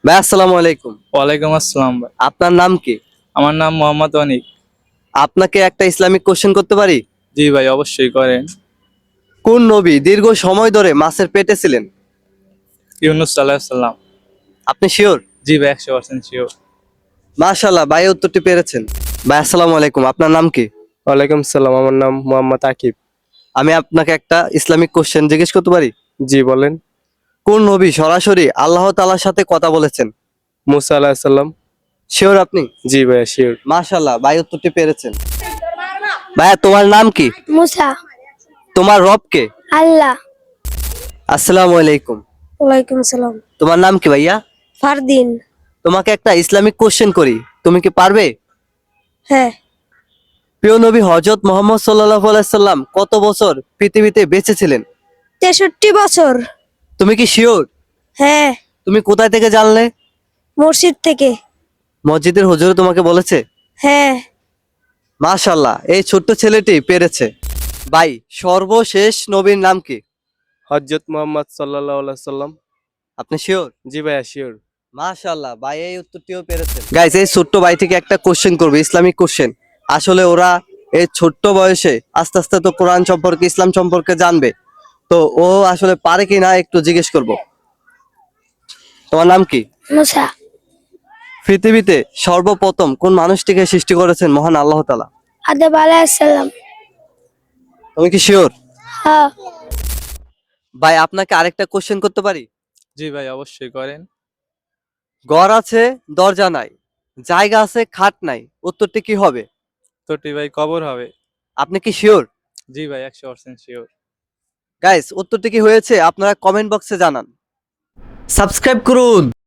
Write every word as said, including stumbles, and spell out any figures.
ভাই আসসালামু আলাইকুম। ওয়ালাইকুম আসসালাম ভাই। আপনার নাম কি? আমার নাম মোহাম্মদ অনিক। আপনাকে একটা ইসলামিক কোশ্চেন করতে পারি? জি ভাই, অবশ্যই করেন। কোন নবী দীর্ঘ সময় ধরে মাছের পেটে ছিলেন? ইউনুস আলাইহিস সালাম। আপনি শিওর? জি ভাই, একশো পার্সেন্ট শিওর। মাশাআল্লাহ, ভাই উত্তরটি পেরেছেন। ভাই আসসালামু আলাইকুম, আপনার নাম কি? ওয়ালাইকুম সালাম, আমার নাম মোহাম্মদ আকিব। আমি আপনাকে একটা ইসলামিক কোশ্চেন জিজ্ঞেস করতে পারি? জি বলেন। কোন নবী সরাসরি আল্লাহ তাআলার সাথে কথা বলেছেন? মুসা আলাইহিস সালাম। শিওর আপনি? জি ভাইয়া শিওর। মাশাআল্লাহ, ভাই উত্তরটি পেরেছেন। ভাইয়া তোমার নাম কি? মুসা। তোমার রব কে? আল্লাহ। আসসালামু আলাইকুম। ওয়ালাইকুম সালাম। তোমার নাম কি ভাইয়া? ফারদিন। তোমাকে একটা ইসলামিক কোশ্চেন করি, তুমি কি পারবে? হ্যাঁ। প্রিয় নবী হযরত মুহাম্মদ সাল্লাল্লাহু আলাইহি সাল্লাম কত বছর পৃথিবীতে বেঁচে ছিলেন? তেষট্টি বছর। তুমি কি শিওর? হ্যাঁ। তুমি কোথায় থেকে জানলে? মসজিদ থেকে। মসজিদের হুজুর তোমাকে বলেছে? হ্যাঁ। মাশাআল্লাহ, এই ছোট্ট ছেলেটি পেরেছে। ভাই সর্বশেষ নবীর নাম কি? হযরত মুহাম্মদ সাল্লাল্লাহু আলাইহি সাল্লাম। আপনি শিওর? জি ভাইয়া শিওর। মাশাআল্লাহ, ভাই এই উত্তরটিও পেরেছেন। গাইস, এই ছোট্ট ভাই থেকে একটা কোশ্চেন করবে, ইসলামিক কোশ্চেন। আসলে ওরা এই ছোট্ট বয়সে আস্তে আস্তে তো কোরআন সম্পর্কে, ইসলাম সম্পর্কে জানবে। তো ও আসলে পারে কিনা একটু জিজ্ঞেস করব। তোমার নাম কি? মুসা। পৃথিবীতে সর্বপ্রথম কোন মানুষটিকে সৃষ্টি করেছেন মহান আল্লাহ তাআলা? আদম আলাইহিস সালাম। তুমি কি শিওর? হ্যাঁ। ভাই আপনাকে আরেকটা কোশ্চেন করতে পারি? জি ভাই, অবশ্যই করেন। ঘর আছে দরজা নাই, জায়গা আছে খাট নাই, উত্তরটি কি হবে? তোটি ভাই কবর হবে। আপনি কি শিওর? জি ভাই, একশো পার্সেন্ট শিওর। গাইস উত্তরটি কি হয়েছে আপনারা কমেন্ট বক্সে জানান। সাবস্ক্রাইব করুন।